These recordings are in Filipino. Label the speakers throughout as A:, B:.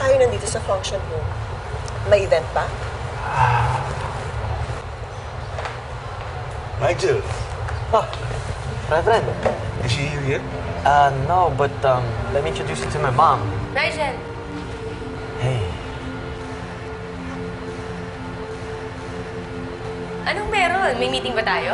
A: tayo nandito sa function room? May event ba?
B: Nigel,
C: Oh, Reverend.
B: is she here?
C: No, but let me introduce you to my mom.
D: Nigel,
C: Hey.
D: anong meron? May meeting ba tayo?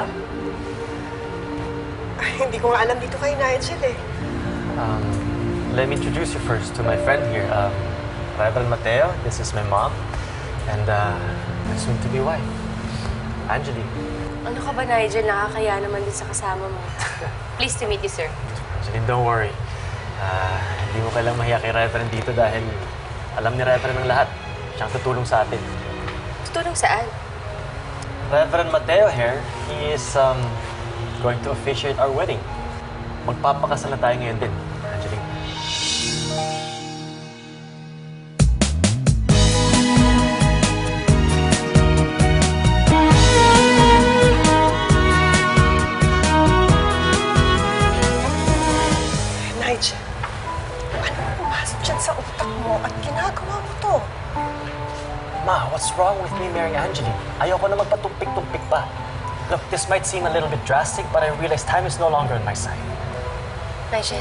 A: Ay, hindi ko nga alam dito kay Nigel eh.
C: Let me introduce you first to my friend here, Reverend Mateo. This is my mom. And my soon-to-be wife, Angeline.
D: Ano ka ba, Nigel? Nakakaya naman din sa kasama mo. Pleased to meet you, sir.
C: Angeline, don't worry. Hindi mo kailang mahiya kay Reverend dito dahil alam ni Reverend ang lahat. Siyang tutulong sa atin.
D: Tutulong saan?
C: Reverend Mateo here, he is going to officiate our wedding. Magpapakasal na tayo ngayon din, Angeline.
A: Nigel, ano pumasok dyan sa utak mo at ginagawa mo to?
C: Ma, what's wrong with me marrying Angeline? Ayoko na magpatumpik-tumpik pa. Look, this might seem a little bit drastic, but I realize time is no longer on my side.
D: Nigel.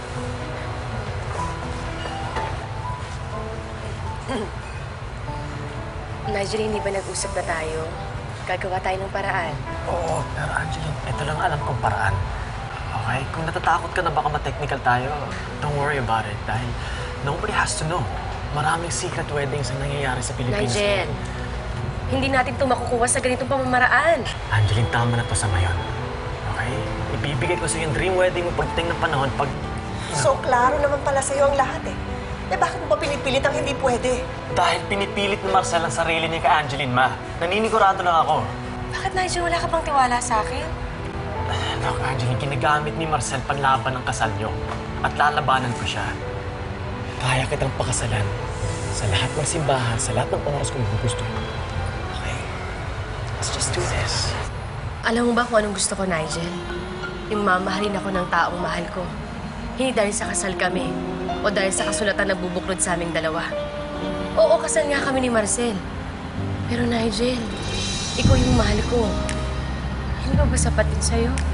D: Nigel, hindi ba nag-usap na tayo? Gagawa tayo ng paraan.
C: Oo, pero Angeline, ito lang alam kong paraan. Okay? Kung natatakot ka na baka ma-technical tayo, don't worry about it. Dahil nobody has to know. Maraming secret weddings ang nangyayari sa Pilipinas.
D: Nigel, hindi natin ito makukuha sa ganitong pamamaraan.
C: Angeline, tama na to sa ngayon. Okay? Ibibigay ko sa yung dream wedding mo pagdating ng panahon pag...
A: So, klaro naman pala sa'yo ang lahat eh. Eh, bakit mo ba pinipilit ang hindi pwede?
C: Dahil pinipilit ni Marcel ang sarili niya kay Angeline, ma. Naninigurado lang ako.
D: Bakit, Nigel? Wala ka bang tiwala sa akin?
C: Look, Angeline, ginagamit ni Marcel panlaban ng kasal niyo. At lalabanan ko siya. Kaya kitang pakasalan sa lahat ng simbahan, sa lahat ng oras kung gusto mo. Okay? Let's just do this.
D: Alam mo ba kung anong gusto ko, Nigel? Yung mamahalin ako ng taong mahal ko. Hindi dahil sa kasal kami o dahil sa kasulatan na bubuklod sa aming dalawa. Oo, kasal nga kami ni Marcel. Pero Nigel, ikaw yung mahal ko. Hindi ba sapat din sa'yo?